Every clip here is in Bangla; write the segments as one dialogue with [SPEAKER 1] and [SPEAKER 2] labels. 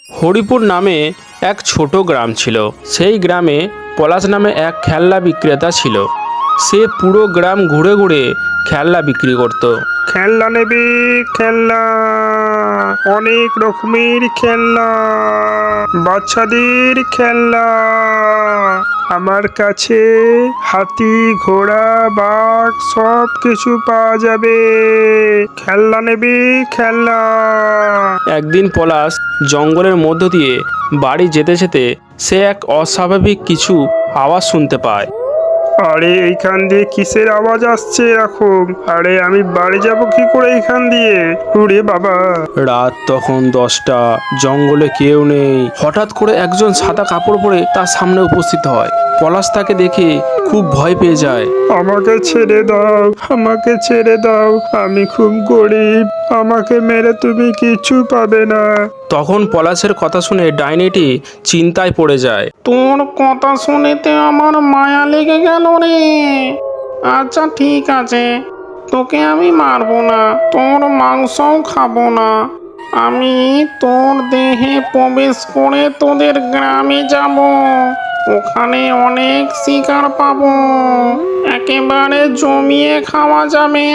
[SPEAKER 1] হরিপুর নামে এক ছোট গ্রাম ছিল। সেই গ্রামে পলাশ নামে এক খেলনা বিক্রেতা ছিল। সে পুরো গ্রাম ঘুরে ঘুরে খেলনা বিক্রি করত।
[SPEAKER 2] খেলনা নেবে? খেলনা, অনেক রকমের খেলনা, বাচ্চাদের খেলনা। আমার কাছে হাতি, ঘোড়া, বাঘ সব কিছু পাওয়া যাবে। খেলনা নেবে? খেলনা।
[SPEAKER 1] একদিন পলাশ জঙ্গলের মধ্য দিয়ে বাড়ি যেতে যেতে সে এক অস্বাভাবিক কিছু আওয়াজ শুনতে পায়।
[SPEAKER 2] আরে এইখান দিয়ে কিসের আওয়াজ আসছে এরকম? আরে আমি বাড়ি যাব কি করে এইখান দিয়ে? ওরে বাবা!
[SPEAKER 1] রাত তখন 10টা, জঙ্গলে কেউ নেই। হঠাৎ করে একজন সাদা কাপড় পরে তার সামনে উপস্থিত হয়। পলাশ তাকে দেখে খুব ভয় পেয়ে যায়।
[SPEAKER 2] আমাকে ছেড়ে দাও, আমাকে ছেড়ে দাও, আমি খুব গরিব, আমাকে মেরে তুমি কিছু পাবে না।
[SPEAKER 1] তখন পলাশের কথা শুনে ডাইনিটি চিন্তায় পড়ে যায়।
[SPEAKER 3] তোর কথা শুনেতে আমার মায়া লেগে গেল রে। আচ্ছা ঠিক আছে, তোকে আমি মারবো না, তোর মাংসও খাবো না। আমি তোর দেহে প্রবেশ করে তোদের গ্রামে যাব। ওখানে অনেক শিকার পাবো, একেবারে জমিয়ে খাওয়া যাবে।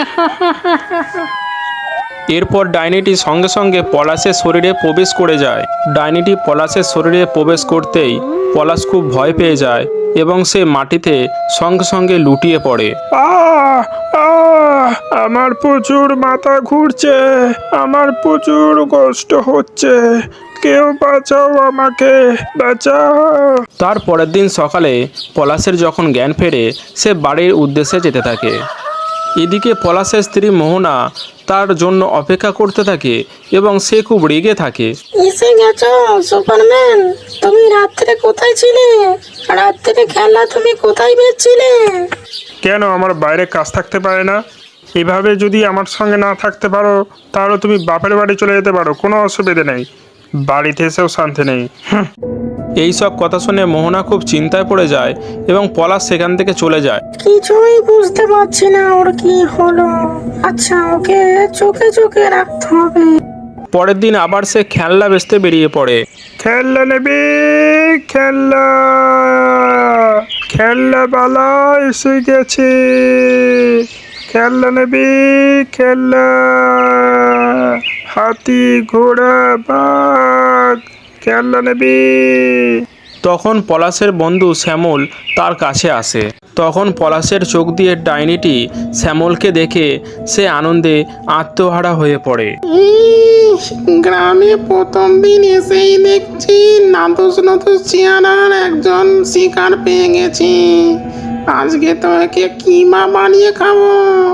[SPEAKER 1] এরপর ডাইনিটি সঙ্গে সঙ্গে পলাশের শরীরে প্রবেশ করে যায়। ডাইনিটি পলাশের শরীরে প্রবেশ করতেই পলাশ খুব ভয় পেয়ে যায় এবং সে মাটিতে সঙ্গে সঙ্গে লুটিয়ে পড়ে।
[SPEAKER 2] আহ আহ আমার প্রচুর মাথা ঘুরছে, আমার প্রচুর কষ্ট হচ্ছে, কেউ বাঁচাও, আমাকে বাঁচাও।
[SPEAKER 1] তার পরের দিন সকালে পলাশের যখন জ্ঞান ফেরে সে বাড়ির উদ্দেশ্যে যেতে থাকে। এদিকে পলাশের স্ত্রী মোহনা তার জন্য অপেক্ষা করতে থাকে এবং সে খুব রেগে থাকে।
[SPEAKER 4] এসে গেছো সুপারম্যান? তুমি রাত্রে কোথায় ছিলে? রাত্রে খেলা তুমি কোথায় বেচছিলে?
[SPEAKER 2] কেন আমার বাইরে কাজ থাকতে পারে না? এভাবে যদি আমার সঙ্গে না থাকতে পারো তাহলে তুমি বাপের বাড়ি চলে যেতে পারো, কোনো অসুবিধা নেই, বাড়িতে এসেও শান্তি নেই।
[SPEAKER 1] এই সব কথা শুনে মোহনা খুব চিন্তায় পড়ে যায় এবং পলাশ সেখান থেকে চলে যায়।
[SPEAKER 4] কিছুই বুঝতে পারছি না ওর কি হলো। আচ্ছা, ওকে চোখে চোখে রাখতে হবে।
[SPEAKER 1] পরের দিন আবার সে খেলনা বেচতে বেরিয়ে পড়ে।
[SPEAKER 2] খেলনা নেবে? খেলনা, খেলনাওয়ালা এসে গেছে। খেলনা নেবে? খেলনা, হাতি, ঘোড়া, বাঘ, খেলনা নেবে?
[SPEAKER 1] তখন পলাশের বন্ধু শ্যামল তার কাছে আসে। তখন পলাশের চোখ দিয়ে ডাইনিটি শ্যামলকে দেখে সে আনন্দে আত্মহারা হয়ে পড়ে।
[SPEAKER 3] গ্রামে প্রথম দিন এসেই দেখছি নাদুস নতুস চেহারার একজন শিকার পেয়ে গেছি। আজকে তো একে কিমা বানিয়ে খাবো।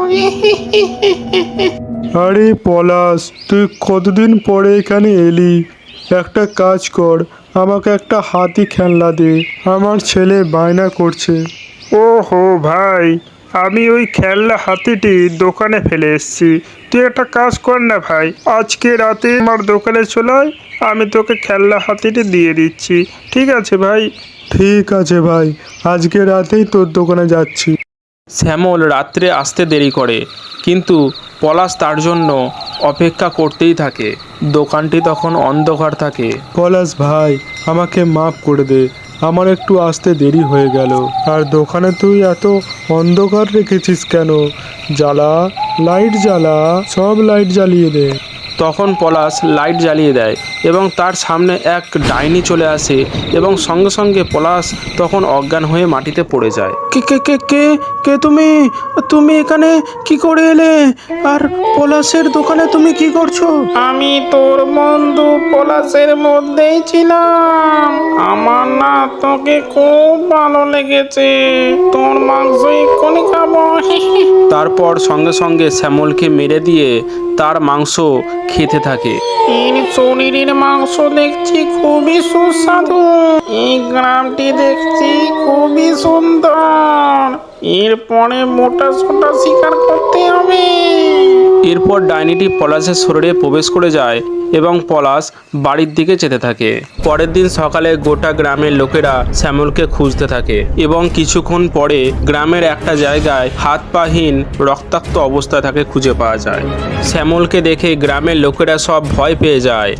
[SPEAKER 2] আরে পলাশ, তুই কতদিন পরে এখানে এলি? একটা কাজ কর, আমাকে একটা হাতি খেলনা দে, আমার ছেলে বায়না করছে। ওহো ভাই, আমি ওই খেলনা হাতিটি দোকানে ফেলে এসেছি। তুই একটা কাজ কর না ভাই, আজকে রাতে আমার দোকানে চলে আয়, আমি তোকে খেলনা হাতিটি দিয়ে দিচ্ছি। ঠিক আছে ভাই? ঠিক আছে ভাই, আজকে রাতেই তোর দোকানে যাচ্ছি।
[SPEAKER 1] শ্যামল রাত্রে আসতে দেরি করে, কিন্তু পলাশ তার জন্য অপেক্ষা করতেই থাকে। দোকানটি তখন অন্ধকার থাকে।
[SPEAKER 2] পলাশ ভাই, আমাকে মাফ করে দে, আমার একটু আসতে দেরি হয়ে গেল। আর দোকানে তুই এত অন্ধকার রেখেছিস কেন? জ্বালা, লাইট জ্বালা, সব লাইট জ্বালিয়ে দে।
[SPEAKER 1] তখন পলাশ লাইট জ্বালিয়ে দেয় এবং তার সামনে এক ডাইনি চলে আসে এবং সঙ্গে সঙ্গে পলাশ তখন অজ্ঞান হয়ে মাটিতে পড়ে যায়। কে কে কে কে কে তুমি? তুমি এখানে কি করে এলে? আর পলাশের দোকানে তুমি কি করছো?
[SPEAKER 3] আমি তোর বন্ধু পলাশের মধ্যেই ছিলাম। আমার না তোকে খুব ভালো লেগেছে, তোর মাংস এক্ষুনি খাবো।
[SPEAKER 1] তারপর সঙ্গে সঙ্গে শ্যামলকে মেরে দিয়ে তার মাংস খেতে থাকে।
[SPEAKER 3] এর শরীরের মাংস দেখছি খুবই সুস্বাদু। এই গ্রামটি দেখছি খুবই সুন্দর। এরপরে মোটা সোটা শিকার করতে হবে।
[SPEAKER 1] এরপর ডাইনিটি পলাশের শরীরে প্রবেশ করে যায় এবং পলাশ বাড়ির দিকে যেতে থাকে। পরের দিন সকালে গোটা গ্রামের লোকেরা শ্যামলকে খুঁজতে থাকে এবং কিছুক্ষণ পরে গ্রামের একটা জায়গায় হাত পাহীন রক্তাক্ত অবস্থায় তাকে খুঁজে পাওয়া যায়। শ্যামলকে দেখে গ্রামের লোকেরা সব ভয় পেয়ে যায়।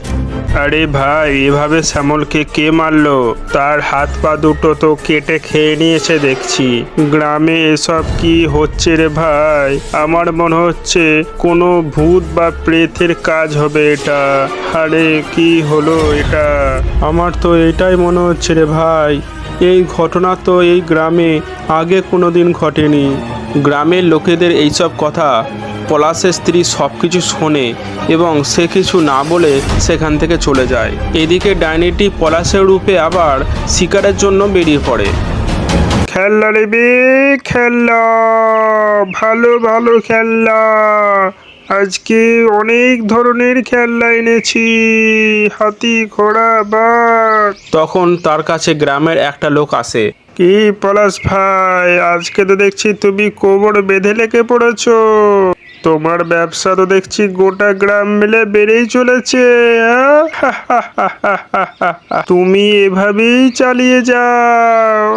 [SPEAKER 2] আরে ভাই, এভাবে শ্যামলকে কে মারলো? তার হাত পা দুটো তো কেটে খেয়ে নিয়েছে দেখছি। গ্রামে এসব কি হচ্ছে রে ভাই? আমার মনে হচ্ছে কোনো ভূত বা প্রেতের কাজ হবে এটা। আরে কি হলো এটা?
[SPEAKER 1] আমার তো এটাই মনে হচ্ছে রে ভাই। এই ঘটনা তো এই গ্রামে আগে কোনো দিন ঘটেনি। গ্রামের লোকেদের এইসব কথা পলাশের স্ত্রী সব কিছু শোনে এবং সে কিছু না বলে সেখান থেকে চলে যায়। এদিকে ডাইনিটি পলাশের রূপে আবার শিকারের জন্য বেরিয়ে পড়ে।
[SPEAKER 2] খেলনা নেবে, খেলনা, ভালো ভালো খেলনা। আজকে অনেক ধরনের খেলনা এনেছি, হাতি, ঘোড়া, বাঘ।
[SPEAKER 1] তখন তার কাছে গ্রামের একটা লোক আসে।
[SPEAKER 2] কি পলাশ ভাই, আজকে তো দেখছি তুমি কোমর বেঁধে লেগে পড়েছো। তোমার ব্যবসা তো দেখছি গোটা গ্রাম মিলে বেড়েই চলেছে। তুমি এভাবেই চালিয়ে যাও।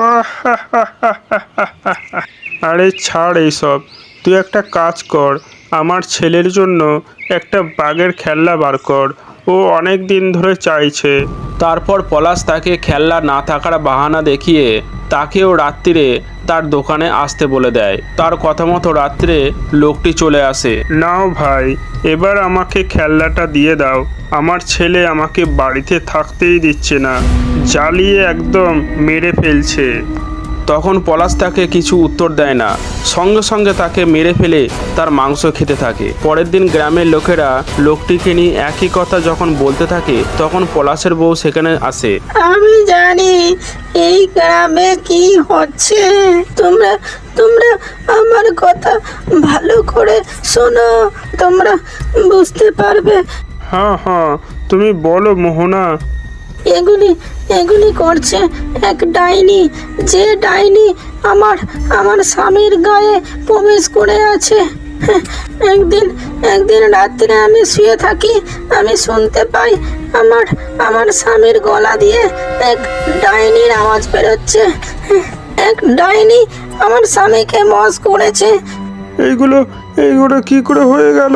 [SPEAKER 2] আরে ছাড় এইসব, তুই একটা কাজ কর, আমার ছেলের জন্য একটা বাঘের খেলনা বার কর। ও অনেক দিন ধরে চাইছে।
[SPEAKER 1] তারপর পলাশ তাকে খেলনা না থাকার বাহানা দেখিয়ে তাকেও রাত্রিরে তার দোকানে আসতে বলে দেয়। তার কথা মতো রাত্রে লোকটি চলে আসে।
[SPEAKER 2] নাও ভাই, এবার আমাকে খেলনাটা দিয়ে দাও। আমার ছেলে আমাকে বাড়িতে থাকতেই দিচ্ছে না, জ্বালিয়ে একদম মেরে ফেলছে।
[SPEAKER 1] তখন পলাশ তাকে কিছু উত্তর দেয় না, সঙ্গে সঙ্গে তাকে মেরে ফেলে তার মাংস খেতে থাকে। পরের দিন গ্রামের লোকেরা লোকটিকে নিয়ে একই কথা যখন বলতে থাকে তখন পলাশের বউ সেখানে আসে।
[SPEAKER 4] আমি জানি এই গ্রামে কি হচ্ছে। তোমরা তোমরা আমার কথা ভালো করে শোনো, তোমরা বুঝতে পারবে।
[SPEAKER 2] হ্যাঁ হ্যাঁ, তুমি বলো মোহনা।
[SPEAKER 4] এগুলি এগুলি করছে এক ডাইনি, যে ডাইনি আমার আমার স্বামীর গায়ে প্রবেশ করে আছে। একদিন একদিন রাত্রে আমি শুয়ে থাকি, আমি শুনতে পাই আমার আমার স্বামীর গলা দিয়ে এক ডাইনির আওয়াজ বেরোচ্ছে। এক ডাইনি আমার স্বামীকে মস করেছে।
[SPEAKER 2] এইগুলো এইগুলো কি করে হয়ে গেল?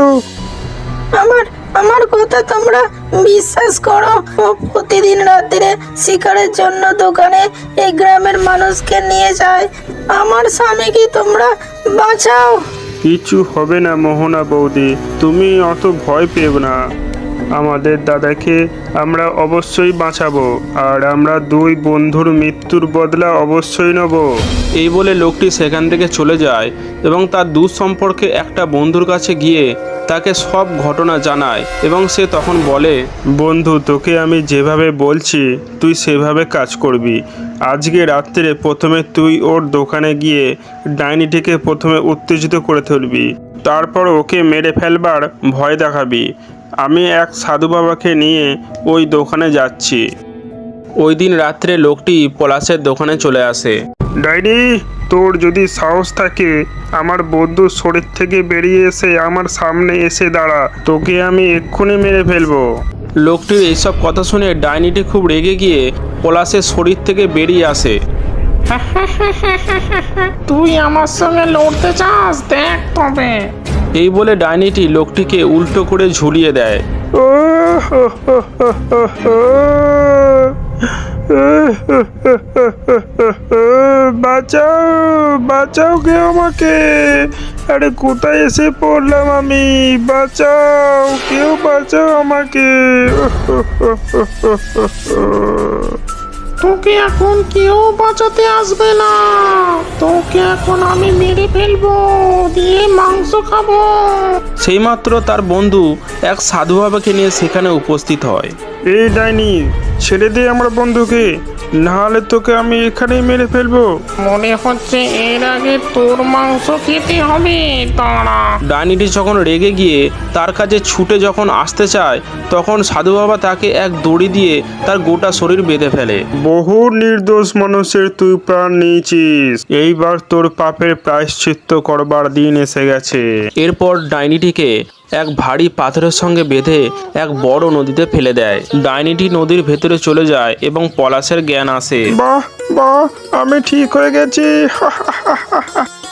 [SPEAKER 4] আমার আমার কথা তোমরা বিশ্বাস করো। ও প্রতিদিন রাত্রে শিকারের জন্য দোকানে এই গ্রামের মানুষকে নিয়ে যায়। আমার স্বামীকে তোমরা বাঁচাও।
[SPEAKER 2] কিছু হবে না মোহনা বৌদি, তুমি অত ভয় পেও না। আমাদের দাদাকে আমরা অবশ্যই বাঁচাবো, আর আমরা দুই বন্ধুর মৃত্যুর বদলা অবশ্যই নেব।
[SPEAKER 1] এই বলে লোকটি সেখান থেকে চলে যায় এবং তার দূর সম্পর্কে একটা বন্ধুর কাছে গিয়ে তাকে সব ঘটনা জানায় এবং সে তখন বলে,
[SPEAKER 2] বন্ধু, তোকে আমি যেভাবে বলছি তুই সেভাবে কাজ করবি। আজকে রাত্রে প্রথমে তুই ওর দোকানে গিয়ে ডাইনিটিকে প্রথমে উত্তেজিত করে তুলবি, তারপর ওকে মেরে ফেলবার ভয় দেখাবি। আমি এক সাধু বাবাকে নিয়ে ওই দোকানে যাচ্ছি।
[SPEAKER 1] ওই দিন রাত্রে লোকটি পলাশের দোকানে চলে আসে।
[SPEAKER 2] ডাইনি, তোর যদি সাহস থাকে আমার বন্ধুর শরীর থেকে বেরিয়ে এসে আমার সামনে এসে দাঁড়া, তোকে আমি এক্ষুনি মেরে ফেলবো।
[SPEAKER 1] লোকটির এইসব কথা শুনে ডাইনিটি খুব রেগে গিয়ে পলাশের শরীর থেকে বেরিয়ে আসে।
[SPEAKER 3] তুই আমার সঙ্গে লড়তে চাস? দেখ তবে।
[SPEAKER 1] এই বলে ডাইনিটি লোকটিকে উল্টো করে ঝুলিয়ে দেয়।
[SPEAKER 2] ও হো হো হো হো হো। বাঁচাও, বাঁচাও কেউ আমাকে। আরে কোথায় এসে পড়লাম আমি? বাঁচাও, কেউ বাঁচাও আমাকে।
[SPEAKER 3] তোকে এখন কেউ বাঁচাতে আসবে না। তোকে এখন আমি মেরে ফেলবো, দিয়ে মাংস খাবো।
[SPEAKER 1] সেইমাত্র তার বন্ধু এক সাধু বাবাকে নিয়ে সেখানে উপস্থিত হয়।
[SPEAKER 2] এই ডাইনি, ছেড়ে দে আমার বন্ধুকে, নাহলে তোকে আমি এখানেই মেরে ফেলবো।
[SPEAKER 3] মনে হচ্ছে এর আগে তোর মাংস খেতে হবে। দাঁড়া।
[SPEAKER 1] ডাইনিটি যখন রেগে গিয়ে তার কাছে ছুটে যখন আসতে চায় তখন সাধু বাবা তাকে এক দড়ি দিয়ে তার গোটা শরীর বেঁধে ফেলে।
[SPEAKER 2] বহু নির্দোষ মানুষের তুই প্রাণ নিয়েছিস, এইবার তোর পাপের প্রায়শ্চিত্ত করবার দিন এসে গেছে।
[SPEAKER 1] এরপর ডাইনিটিকে এক ভারী পাথরের সঙ্গে বেঁধে এক বড় নদীতে ফেলে দেয়। ডাইনিটি নদীর ভেতরে চলে যায় এবং পলাশের জ্ঞান আসে।
[SPEAKER 2] বাহ বাহ, আমি ঠিক হয়ে গেছি।